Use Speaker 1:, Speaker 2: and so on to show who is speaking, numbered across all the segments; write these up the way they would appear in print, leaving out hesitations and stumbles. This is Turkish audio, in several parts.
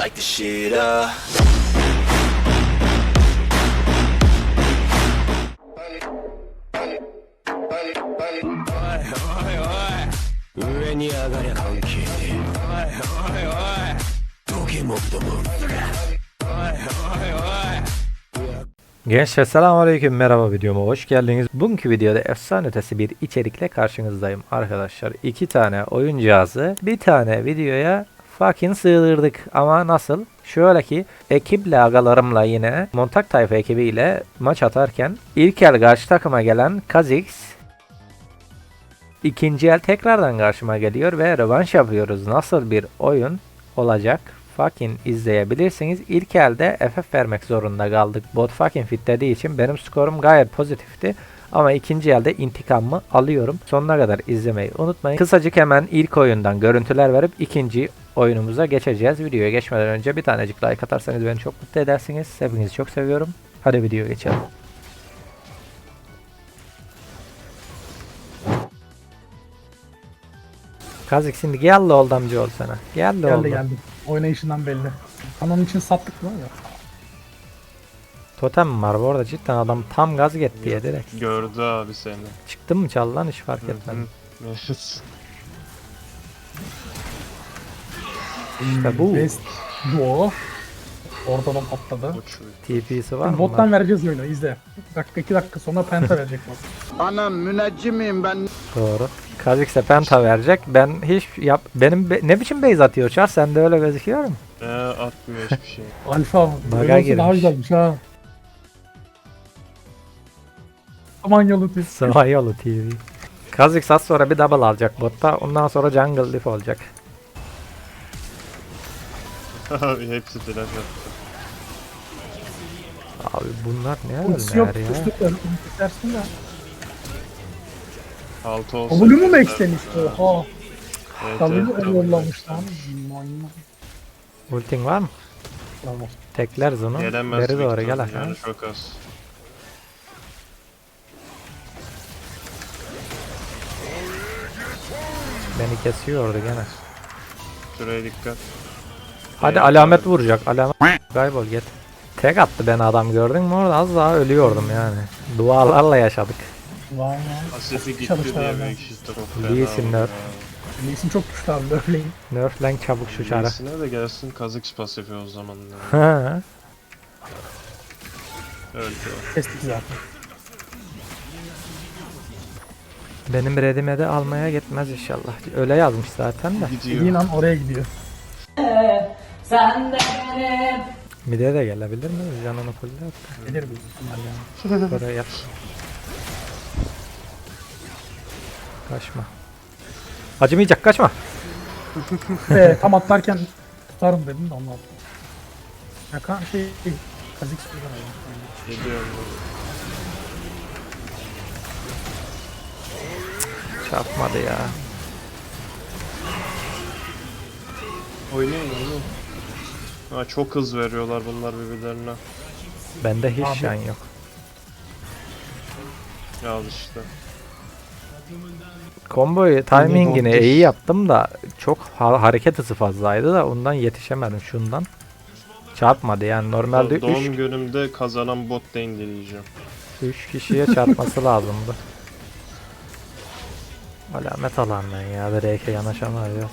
Speaker 1: like the shit up.
Speaker 2: Gençler selamünaleyküm, merhaba, videoma hoş geldiniz. Bugünkü videoda efsane ötesi bir içerikle karşınızdayım arkadaşlar. 2 tane oyun cihazı bir tane videoya fucking sığdırdık. Ama nasıl? Şöyle ki ekiple, agalarımla, yine Montak Tayfa ekibiyle maç atarken ilk el karşı takıma gelen Kha'Zix ikinci el tekrardan karşıma geliyor ve rövanş yapıyoruz. Nasıl bir oyun olacak? Fucking izleyebilirsiniz. İlk elde FF vermek zorunda kaldık. Bot fucking fit dediği için benim skorum gayet pozitifti. Ama ikinci elde intikamımı alıyorum. Sonuna kadar izlemeyi unutmayın. Kısacık hemen ilk oyundan görüntüler verip ikinci oyunumuza geçeceğiz. Videoya geçmeden önce bir tanecik like atarsanız beni çok mutlu edersiniz. Hepinizi çok seviyorum. Hadi videoya geçelim. Kha'Zix şimdi gel de oldu amca ol sana. Gel de oldu.
Speaker 3: Geldi. Oynayışından belli. Kanonun için sattık mı ya?
Speaker 2: Totem var bu arada, cidden adam tam gaz gitti ya direkt.
Speaker 4: Gördü abi seni.
Speaker 2: Çıktın mı çal lan, hiç fark etmedim.
Speaker 4: Evet.
Speaker 2: İşte bu.
Speaker 3: Best duo. Ortadan patladı.
Speaker 2: TP'si var mı?
Speaker 3: Bottan vereceğiz oyunu, izle. 2 dakika sonra penta verecek bot.
Speaker 5: Anam müneccimiyim ben.
Speaker 2: Doğru. Kha'Zix'e penta verecek. Ben hiç ne biçim base atıyor Çar? Sende öyle gözüküyor mu?
Speaker 4: Atmıyor hiçbir şey.
Speaker 3: Alfa.
Speaker 2: Baga
Speaker 3: Böyle olsa
Speaker 2: girmiş.
Speaker 3: daha güzelmiş ha. Samanyalı tip.
Speaker 2: Samanyolu TV. Kha'Zix az sonra bir double alacak botta. Ondan sonra jungle diff olacak.
Speaker 4: Hepsi flash attı.
Speaker 2: Abi bunlar ne
Speaker 3: Ultisi yok.
Speaker 2: haller ya?
Speaker 3: Kuşlukla kesersin de.
Speaker 4: 6 olsa.
Speaker 3: Olumu mu eklemiş? Oha.
Speaker 4: Evet,
Speaker 3: Tabii
Speaker 4: evet,
Speaker 3: yollamış lan. Manyak.
Speaker 2: Ultin var mı?
Speaker 3: Tamam.
Speaker 2: Tekler zonu.
Speaker 4: Gelemez.
Speaker 2: Beri doğru
Speaker 4: Victor,
Speaker 2: gel aşağı.
Speaker 4: yani çok az.
Speaker 2: Beni kesiyordu gene.
Speaker 4: Şuraya dikkat.
Speaker 2: Hadi alamet vuracak. Alamet. Kaybol git. Tek attı beni adam, gördün mü orada? Az daha ölüyordum yani. Dualarla yaşadık.
Speaker 3: Vay vay.
Speaker 4: Asifi gitti
Speaker 3: Çalışlar
Speaker 4: diye
Speaker 3: abi.
Speaker 4: büyük işte çok
Speaker 2: Lee
Speaker 4: fena
Speaker 2: Sin
Speaker 4: oldu
Speaker 2: nerf.
Speaker 4: ya.
Speaker 3: Lee'sin çok güçlü abi. Öfleyin.
Speaker 2: Nerflen çabuk şu çara.
Speaker 4: Lee'sine de gelsin Kha'Zix pasifi o zaman.
Speaker 2: Ha.
Speaker 4: Öldü o.
Speaker 3: Kestik zaten.
Speaker 2: Benim redime de almaya gitmez inşallah. Öyle yazmış zaten de.
Speaker 4: Gidiyor.
Speaker 3: Dediğin an oraya gidiyor.
Speaker 6: Sen de benim.
Speaker 2: Mide de gelebilir mi? Canını fulle
Speaker 3: Gelir büyük ihtimalle yani.
Speaker 2: Buraya yap. Kaçma. Acımayacak, kaçma.
Speaker 3: Tam atlarken tutarım dedim de ondan. Ya Kha'Zix buradan aldım.
Speaker 4: Gidiyor.
Speaker 2: Çarpmadı ya.
Speaker 4: Oynayın. Ha, çok hız veriyorlar bunlar birbirlerine.
Speaker 2: Bende hiç
Speaker 3: Abi.
Speaker 2: şan yok.
Speaker 4: Al işte.
Speaker 2: Komboyu timingini
Speaker 3: Doğru.
Speaker 2: iyi yaptım da çok hareket hızı fazlaydı da ondan yetişemedim şundan. Çarpmadı yani, normalde
Speaker 4: Doğum günümde kazanan bot lane dileyeceğim.
Speaker 2: 3 kişiye çarpması lazımdı. Alamet alandan ya, direkt yanaşamayacağız.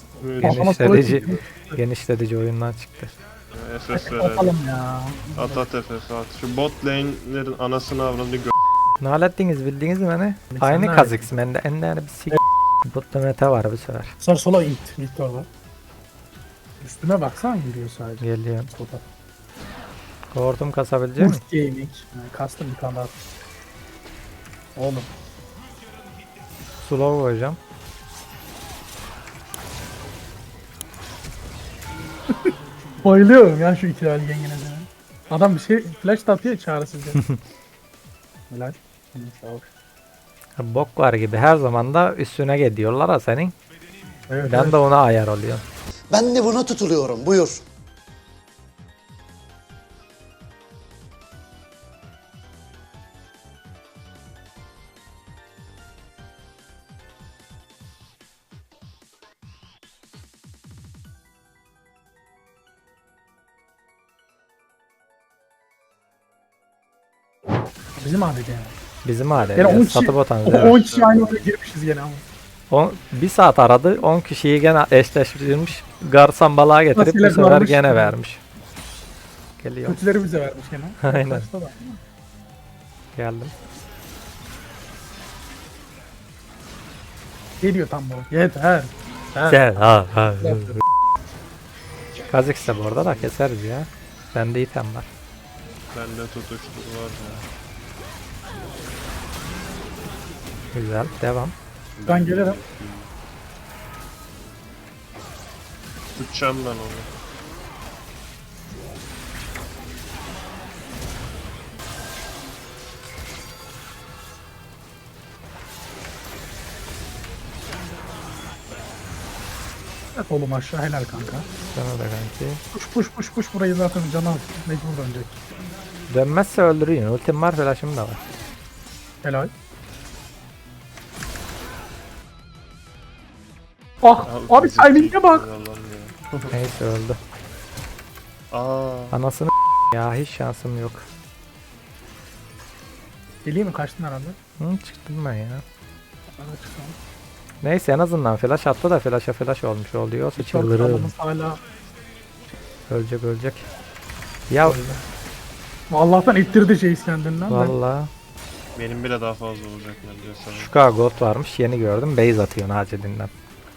Speaker 2: Genişletici oyundan çıktı.
Speaker 4: FF verelim.
Speaker 3: Atalım ya.
Speaker 4: At FF at. Şu bot lane'lerin anasını avradını
Speaker 2: Ne hallettiniz, bildiniz mi beni?
Speaker 3: Biz
Speaker 2: Aynı
Speaker 3: sen
Speaker 2: Kha'Zix bende, en bir sik. Butta meta var bu sefer.
Speaker 3: Sar sola it. Victor var. Üstüme baksana yürüyor sadece.
Speaker 2: Geliyorum.
Speaker 3: Sola.
Speaker 2: Hortum kasabilecek miyim?
Speaker 3: Boost gaming. Yani custom bir tane daha. Oğlum.
Speaker 2: Slow koyacağım.
Speaker 3: Bayılıyorum ya şu ikilali yengeneze. Adam bir şey flash da atıyor çaresizce. Helal. Sağ ol.
Speaker 2: Bok var gibi her zaman da üstüne gidiyorlar ha senin.
Speaker 3: Evet,
Speaker 2: Ben
Speaker 3: evet.
Speaker 2: de ona ayar oluyorum.
Speaker 5: Ben de buna tutuluyorum. Buyur.
Speaker 3: Bizim ADC yani.
Speaker 2: Bizim hale.
Speaker 3: Yani 10 kişi,
Speaker 2: Satı botanız.
Speaker 3: 10 kişi aynı odaya girmişiz gene ama.
Speaker 2: Bir saat aradı. 10 kişiyi gene eşleştirmiş. Garsan balığa getirip bu
Speaker 3: Nasıl
Speaker 2: sefer
Speaker 3: varmış
Speaker 2: gene
Speaker 3: ya?
Speaker 2: vermiş. Geliyor.
Speaker 3: Kötüleri bize vermiş gene.
Speaker 2: Aynen.
Speaker 3: Başta da.
Speaker 2: Geldim.
Speaker 3: Geliyor tam bu. Yeter.
Speaker 2: Gel ha ha. Kazık ise bu arada da keseriz ya. Bende item var.
Speaker 4: Bende tutuştur var ya.
Speaker 2: Güzel. Devam.
Speaker 3: Ben gelirim.
Speaker 4: Tutacağım ben onu.
Speaker 3: Evet oğlum aşağı helal kanka.
Speaker 2: Sana da kanki.
Speaker 3: Push burayı zaten canı az. Mecbur dönecek.
Speaker 2: Dönmezse öldürüyün. Ultim var, flash'ım da var.
Speaker 3: Helal. Ah abi timing'e bak.
Speaker 4: Yalan ya.
Speaker 2: Neyse öldü.
Speaker 4: Aa,
Speaker 2: Anasını ya hiç şansım yok.
Speaker 3: Geleyim mi? Kaçtın herhalde.
Speaker 2: Çıktım ben ya.
Speaker 3: Ben de çıktım.
Speaker 2: Neyse en azından flash attı da flash'a flash olmuş oluyor.
Speaker 3: Çok
Speaker 2: Çıldırırım.
Speaker 3: adamız hala.
Speaker 2: Ölecek. Ya
Speaker 3: Allah'tan ittirdi Jace kendinden. de.
Speaker 2: valla
Speaker 4: benim bile daha fazla olacak bence sana.
Speaker 2: şu kadar gold varmış yeni gördüm. Base atıyor acilinden.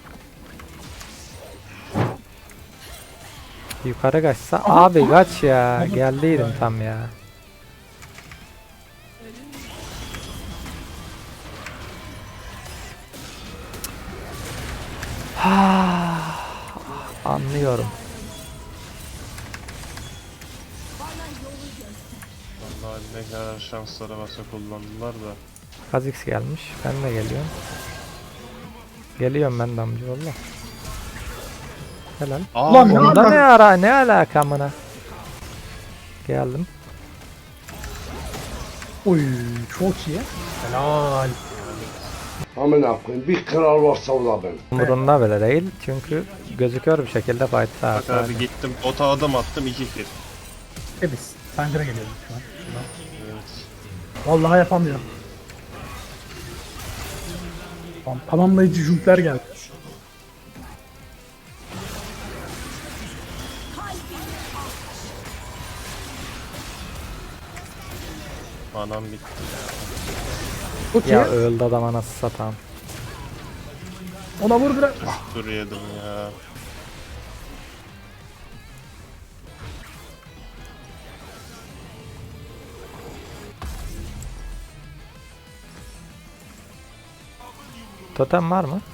Speaker 2: Yukarı kaçsa abi kaç ya. Geldiydim tam ya. Anlıyorum.
Speaker 4: Vallahi ne kadar şanslara varsa kullandılar da.
Speaker 2: Kha'Zix gelmiş. Ben de geliyorum. Geliyorum ben de amcaoğlu. Helal.
Speaker 4: Aa,
Speaker 3: Ulan ne
Speaker 2: Onda
Speaker 3: alaka?
Speaker 2: ne ara ne alaka amına. Geldim.
Speaker 3: Oy çok iyi. Helal.
Speaker 5: Amına koyayım bir kral varsa o da ben.
Speaker 2: Umurunda bile değil çünkü gözüküyor bir şekilde fight'ta
Speaker 4: bak abi gittim ota adım attım 2 kill.
Speaker 3: Biz. Sancıra geliyorum şu an.
Speaker 4: Evet.
Speaker 3: Vallahi yapamıyorum. Tamamlayıcı jümpler geldi.
Speaker 4: Anam bitti ya.
Speaker 3: Çok iyi.
Speaker 2: Ya öldü adam anası satan.
Speaker 3: Ona vur biraz.
Speaker 4: Dur yedim ya.
Speaker 2: Totem var mı?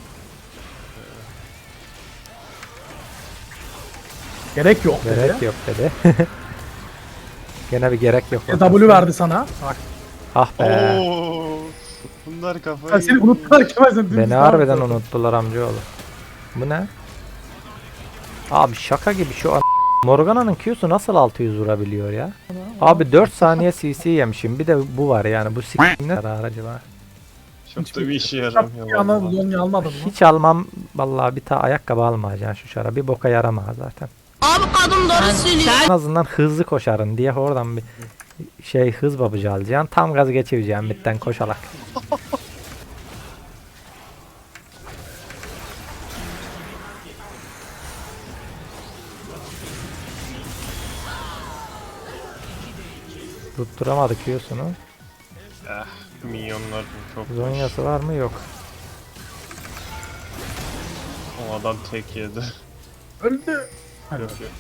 Speaker 3: Gerek yok dedi.
Speaker 2: Gerek yok dedi. Gene bir gerek yok.
Speaker 3: W verdi sana. Bak.
Speaker 2: Ah be.
Speaker 4: Oo. Bunlar kafayı
Speaker 3: Ben seni unuttular Kemal sen dümdüz
Speaker 2: Beni
Speaker 3: devam
Speaker 2: harbiden
Speaker 3: et.
Speaker 2: unuttular amcaoğlu. Bu ne? Abi şaka gibi şu an Morgana'nın Q'su nasıl 600 vurabiliyor ya? Abi 4 saniye CC yemişim. Bir de bu var yani. Bu s*** ne aracı var.
Speaker 4: çok da bir işe
Speaker 3: Şap
Speaker 4: yaramıyor
Speaker 3: yana
Speaker 4: vallahi.
Speaker 3: Zonya almadın mı?
Speaker 2: Hiç almam vallahi bir tane ayakkabı almayacaksın şu şara. Bir boka yaramaz zaten.
Speaker 1: Abi kadın doğru söylüyor.
Speaker 2: En azından hızlı koşarın diye oradan bir hız babıcı alacaksın. Tam gaz geçireceğim bitten koşarak. Tutturamadık Q'sunu.
Speaker 4: Minyonlar çok
Speaker 2: Zonyası var mı? Yok.
Speaker 4: O adam tek yedi.
Speaker 3: Öldü. Hadi.
Speaker 4: Yok yok.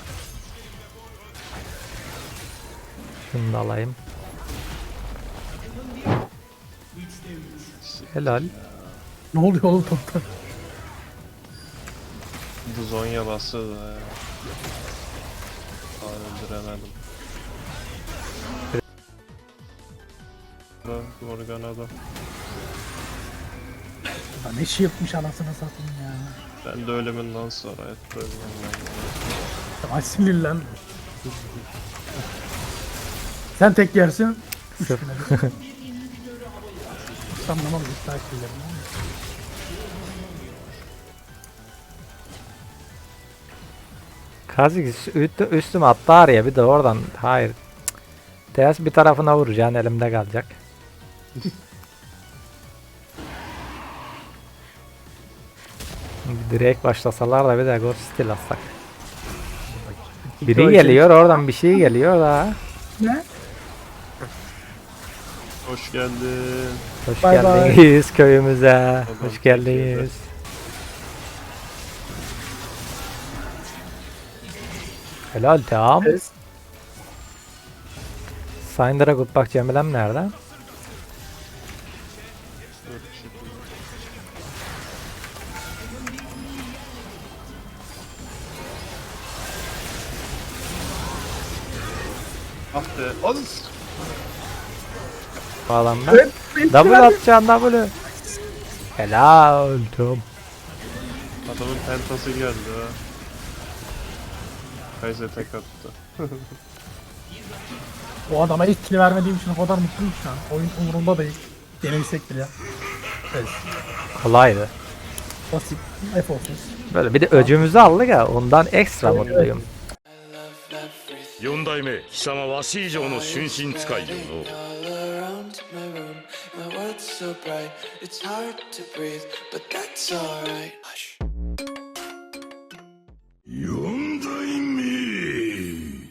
Speaker 2: Şunu da alayım. Helal.
Speaker 3: Ne oluyor oğlum topta?
Speaker 4: Bu Zonya bastı da ya. Öldüremedim. Morgana'da.
Speaker 3: Ya ne shieldmiş anasını satayım ya.
Speaker 4: Ben de ölümünden sonra hep ölmem
Speaker 3: Ay sinirlen. Sen tek yersin. Üç
Speaker 2: Sırf.
Speaker 3: güne bir. Hiç anlamam iptal şeylerini.
Speaker 2: Kazik üstüme attı ya bir de oradan hayır. Ters bir tarafına vuracaksın elimde kalacak. Direkt başlasalar da bir de Ghost Steel atsak.
Speaker 3: İki
Speaker 2: Biri
Speaker 3: oy
Speaker 2: geliyor oradan bir şey geliyor da.
Speaker 3: Ne?
Speaker 4: Hoş geldin.
Speaker 2: Hoş
Speaker 3: Bay bay.
Speaker 2: geldiniz köyümüze.
Speaker 4: Adam
Speaker 2: Hoş geldiniz. Helal tamam.
Speaker 3: Kes.
Speaker 2: Syndra Good bak Cemilem nerede?
Speaker 4: Dur, bir şey yapayım. Ah be. Al.
Speaker 2: Bu adamda.
Speaker 3: Evet,
Speaker 2: Double atacaksın double. Helal tamam.
Speaker 4: Adamın pentası geldi ha. Kaiser tek attı.
Speaker 3: O adama hiç kill vermediğim için o kadar mutluyum şu an. Oyun umurumda değil. Yenilsek bile. Evet.
Speaker 2: Kolaydı.
Speaker 3: Basit. F olsun.
Speaker 2: Böyle bir de öcümüzü aldık ya ondan ekstra
Speaker 3: Evet,
Speaker 2: mutluyum.
Speaker 6: 4代目貴様わし以上の春心使いよの
Speaker 7: All around my room, my world's so bright, it's hard to breathe, but that's alright. Hush.